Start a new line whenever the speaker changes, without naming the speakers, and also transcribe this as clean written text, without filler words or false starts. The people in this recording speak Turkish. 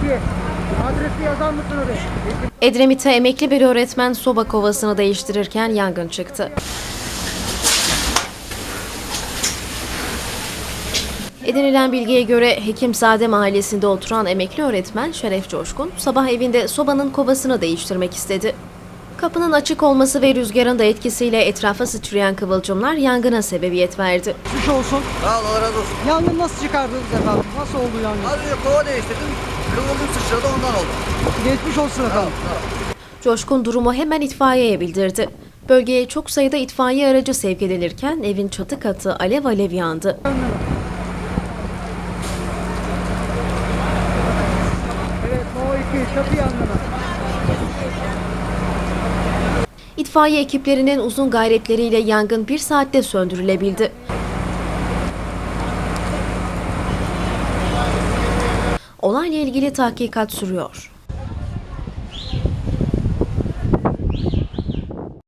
Adresi yazar mısın oraya?
Edremit'te emekli bir öğretmen soba kovasını değiştirirken yangın çıktı. Edinilen bilgiye göre Hekimzade Mahallesi'nde oturan emekli öğretmen Şeref Coşkun, sabah evinde sobanın kovasını değiştirmek istedi. Kapının açık olması ve rüzgarın da etkisiyle etrafa sıçrayan kıvılcımlar yangına sebebiyet verdi.
Geçmiş olsun.
Sağ ol, Allah razı olsun.
Yangın nasıl çıkardınız efendim? Nasıl oldu yangın?
Az önce kova değiştirdim. Kıvılcım sıçradı, ondan oldu.
Geçmiş olsun efendim.
Coşkun durumu hemen itfaiyeye bildirdi. Bölgeye çok sayıda itfaiye aracı sevk edilirken evin çatı katı alev alev yandı.
Evet, No 2 çatı yangını.
İtfaiye ekiplerinin uzun gayretleriyle yangın 1 saatte söndürülebildi. Olayla ilgili tahkikat sürüyor.